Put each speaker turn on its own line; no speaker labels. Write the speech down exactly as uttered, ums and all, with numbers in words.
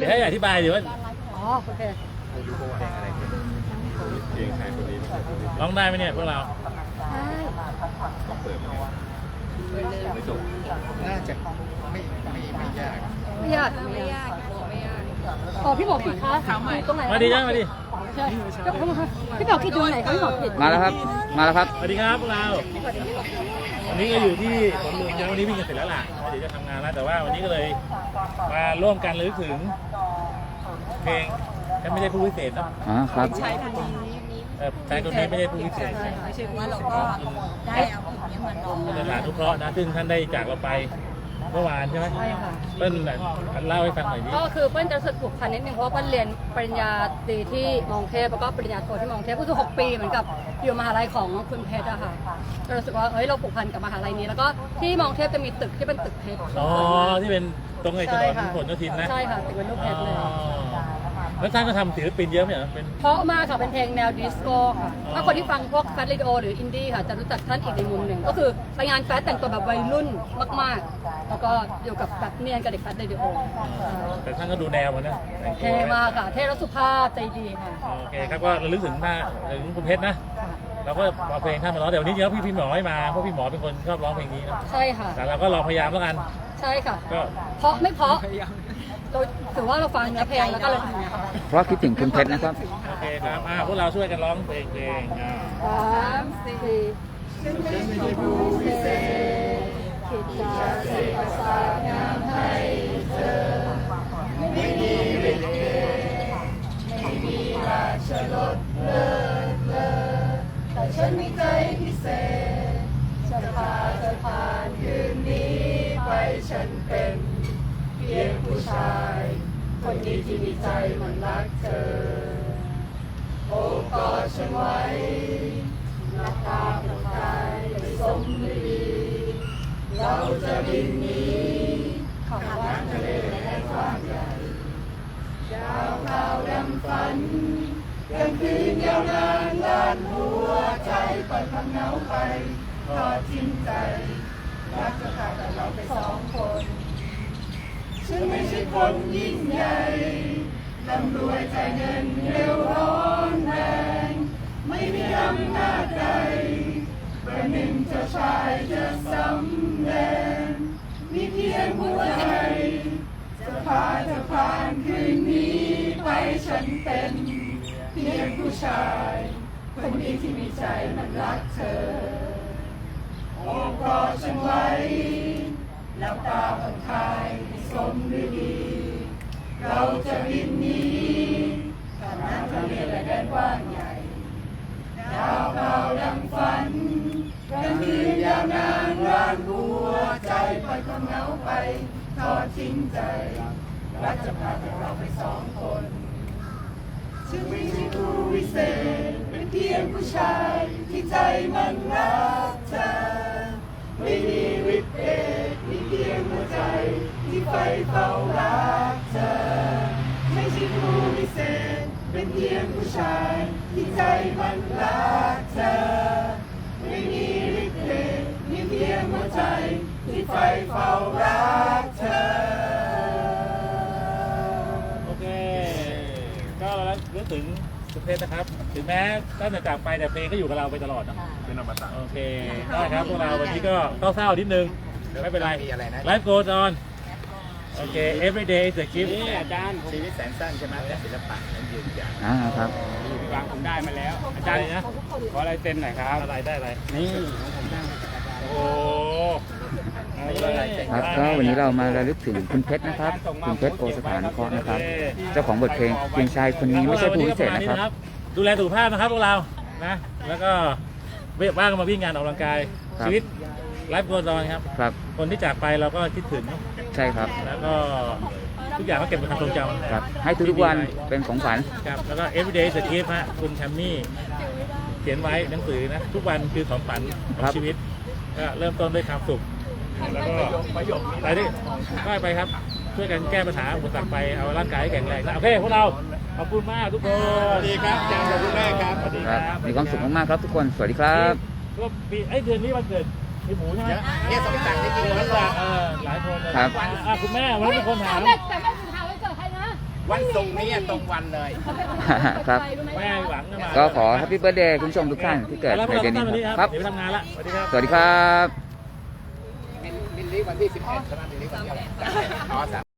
ดี๋ยวให้อธิบายดีว่า
อ๋อโอเค
ร้องได้ไหมเนี่ยพวกเรา
ไม่จบน่าจะไม่ไม่ไม่ยาก
ไม่ยากไม่ยากไม่ยากอ๋อพี่หมอผิดคะตรงไหน
มาดีจ้ามาดี
ใช่พี่หมอผิดตรงไหนคะพี่หมอผิด
มาแล้วครับมาแล้วครับ
สวัสดีครับพวกเราวันนี้ก็อยู่ที่สวนลุมนะวันนี้วิ่งกันเสร็จแล้วล่ะเดี๋ยวจะทำงานแล้วแต่ว่าวันนี้ก็เลยมาร่วมกันระลึกถึงเพลงฉันไม่ได้ผู้พิเศษนะ
อ๋อครับ
ใช่ค่ะ
แฟนคนนี้ไม่ได้ผู้พิเศษ
ไม่ใช่ว่าเราก็ได้เอาผิดเนี่ยเหมือนน้อง
เป็นสถานทุกเคราะห์นะซึ่งท่านได้จากเราไปเมื่อวานใช่ไหม
ใช่ค่ะ
เปิ้ลเล่าให้ฟังหน่อยดิ
ก็คือเปิ้ลจะรู้สึกผูกพันนิดนึงเพราะว่าเปิ้ลเรียนปริญญาตรีที่มองเทพแล้วก็ปริญญาโทที่มองเทพก็คือหกปีเหมือนกับอยู่มหาลัยของคุณเพชรอะค่ะก็รู้สึกว่าเฮ้ยเราผูกพันกับมหาลัยนี้แล้วก็ที่มองเทพจะมีตึกที่เป็นตึกเพชร
อ๋อที่เป็นตรงไอ้ถนนผลโยธินนะ
ใช่ค่ะตึกเป็นรูปเพชรเลย
แล้วท่านก็ทำศิลปินเยอะไหมเหรอเป็น
เพราะมากค่ะเป็นเพลงแนวดิสโก้ค่ะถ้าคนที่ฟังพวกแฟชั่นเรดิโอหรืออินดี้ค่ะจะรู้จักท่านอีกในมุมหนึ่งก็คือไปงานแฟชั่นแต่งตัวแบบวัยรุ่นมากๆแล้วก็อยู่กับแบบเนียนกับเด็กแฟชั่นเรดิโอ
แต่ท่านก็ดูแนวมันนะ
เท่มากค่ะเท่และสุภาพใจดีค่ะ
โอเคครับก็ระลึกถึงหน้าถึงคุณเพชรนะเราก็เอาเพลงท่านมาร้องแต่วันนี้เดี๋ยวพี่พี่หมอไม่มาเพราะพี่หมอเป็นคนชอบร้องเพลงนี้นะ
ใช่ค่ะ
แต่เราก็ลองพยายามแล้วกัน
ใช่ค่ะก็เพราะไม่เพราะถือว่าเราฟังเนื้อเพลงแล้วก็เลย
เพราะคิดถึงคุณเพชรนะครับ
โอเคครับอ่าพวกเราช่วยกันร้องเพลงเพลงอ่า
สามสี่ฉันไม่ใช่ผู้พิเศษคิดจะเสกประสาทงามให้เธอไม่มีฤทธิ์เดชไม่มีราชรสเลิศเลอแต่ฉันมีใจพิเศษจะพาเธอผ่านคืนนี้ไปฉันเป็นเพียงผู้ชายคนนี้ที่มีใจมันรักเธอโอ้กอดฉันไว้หน้าตาผ่อนคลายไม่สมดีเราจะบินหนีข้ามน้ำทะเลและกว้างใหญ่ดาวขาวดำฝันกลางคืนยาวนานลานหัวใจปล่อยความเหงาไปทอดทิ้งใจรักจะพาแต่เราไปสองคนฉันไม่ใช่คนยิ่งใหญ่ร่ำรวยใจเงินเร็วร้อนแรงไม่มีอำนาจใดประหนึ่งเจ้าชายจะสำแดงมีเพียงหัวใจจะพาเธอผ่านคืนนี้ไปฉันเป็นเพียงผู้ชายคนนี้ที่มีใจมันรักเธอโอ้กอดฉันไว้แล้วตาผ่อนคลายสมฤดีเราจะบินหนีข้ามน้ำทะเลและแดนกว้างใหญ่ดาวขาวดังฝันกลางคืนยาวนานล้านหัวใจปล่อยความเหงาไปทอดทิ้งใจรักจะพาเราไปสองคนฉันไม่ใช่ผู้วิเศษเป็นเพียงผู้ชายที่ใจมันรักเธอไม่มีฤทธิ์เดชมีเพียงหัวใจที่ไฟเฝ้ารักเธอไม่ใช่ผู้พิเศษเป็นเพียงผู้ชายที่ใจมันรักเธอไม่มีฤทธิ์เดชมีเพียงหัวใจที่ไฟเฝ้ารักเธอ
โอเคก็เรานึกถึงคุณเพชรนะครับถึงแม้ท่านจะจากไปแต่เพลงก็อยู่กับเราไปตลอดนะ
เป็นอมตะ
โอเคได้ครับพวกเราวันนี้ก็เศร้าๆนิดนึงไม่เป็นไร Life goes on โอเค every day is a gift
นี่อาจารย์ชีวิตแสนสั้นใช่ไหมแต่ศิลปะนั้นยืนยาว
อ่าครับ
พี่วางผมได้มาแล้วอาจารย์นะขออะไรเต็มหน่อยครับ
อะไรได้อะไร
นี่ของผมได้มาจากอาจารย์
โอ้
ครับก็วันนี้เรามาระลึกถึงคุณเพชรนะครับคุณเพชรโอสถานเคราะห์นะครับเจ้าของบทเพลงเพียงชายคนนี้ไม่ใช่ผู้พิเศษนะครับ
ดูแลสุขภาพนะครับพวกเรานะแล้วก็ว่างมาวิ่งงานออกกำลังกายชีวิตไลฟ์โกลอนครับ
ครับ
คนที่จากไปเราก็คิดถึง
ใช่ครับ
แล้วก็ทุกอย่างก็เก็บเป็นความทรงจำ
ครับให้ทุกวันเป็นของขวัญ
ครับแล้วก็ everyday is a gift ฮะคุณแชมมี่เขียนไว้หนังสือนะทุกวันคือของขวัญของชีวิตก็เริ่มต้นด้วยความสุขแล้วก็ไปดิก็ไปครับช่วยกันแก้ปัญหาอุปสรรคไปเอาร่างกายให้แข็งแรงนะโอเคพวกเราขอบคุณมากทุกคน
สวัสดีครับอาจารย์ขอบคุณมากครับ
สวัสดีครับมีความสุขมากๆครับทุกคนสวัสดีครับ
ก็ปีไอ้เดือนนี้วันเกิดพี่หมูใช่ไหม
เนี่ยสมศักดิ์ที่จริงแล้ว
หลายคนเลยครับคุณแม่วันนี้มีคนถาม
แต่แม่แต่แม่ถามวันเกิดใครนะ
วันศุกร์นี้ตรงวันเลย
ครับ
ไม่ให้หวังนะมา
ก็ขอแฮปปี้เบิร์ดเดย์คุณผู้ชมทุกท่านที่เกิด
แล้วพ
ใน
วกเรา
เดือน
ท่านวัน
นี้
นี้
ค
ค
รั
รับ บเดี๋ยวไปทำงานละสวัสดีครับ
สวัสดีครับ
มิลลิวันที่สิบเอ็ดใช่ไหมมิลลิวันที่อ๋อสาม